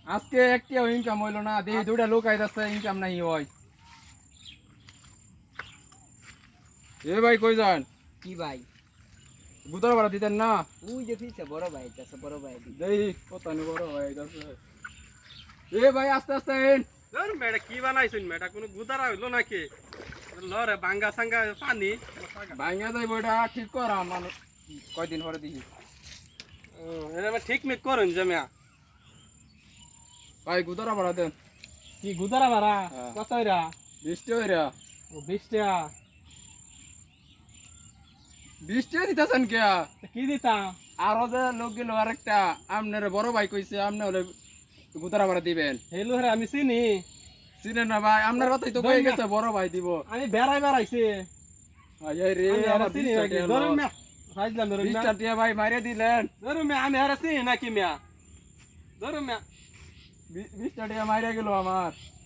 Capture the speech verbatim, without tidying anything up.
আজকে একটিও ইনকাম হইলো না, দেখি দুইটা লোক আইতাছে, ইনকাম নাই হয়। এ ভাই কই যান? কি ভাই? গুতার ভাড়া দিতেন না? ওই যে ফিরছে বড় ভাই আইতাছে, বড় ভাই দি। দেখি কত নি বড় ভাই আইতাছে। এ ভাই আস্তে আস্তে আইন। ধর মেয়েটা কি বানাইছেন, মেয়েটা কোনো গুদারা হইলো নাকি? লরে বাঙ্গা সাঙ্গা পানি ভাইঙ্গা যাইব, এটা ঠিক করা মানুষ কয়দিন পরে দেখি। এটা ঠিক মিক করুন জমিয়া। ভাই গুতারা ভাড়া দেন। কি গুদারা ভাড়া হ্যাঁ। কত হইরা? বিশটা হইরা। ও বিশ টাকা। বিশটা দিতেছেন কে? তা কি দিতাম? আরো যে লোক গেল আরেকটা, আপনার বড় ভাই কইছে আপনি হলে গুতারা ভাড়া দিবেন। হেলু হেরে আমি চিনি। চিনেন না ভাই? আপনার কথাই তো কয়ে গেছে বড় ভাই দিব। আমি বেড়াই বেড়াইছি। আয় রে আমি আমার হেরে চিনি বিশটা নাকি? টিয়া ধরুন লও। মিয়া। সাইজলাম ধরুন মিয়া। বিশটা টিয়া ভাই মাইরে দিলেন। ধরুন মিয়া, আমি হেরে চিনি নাকি মিয়া? ধরুন মিয়া। বি- বিশটা টিয়া মাইরে গেল আমার।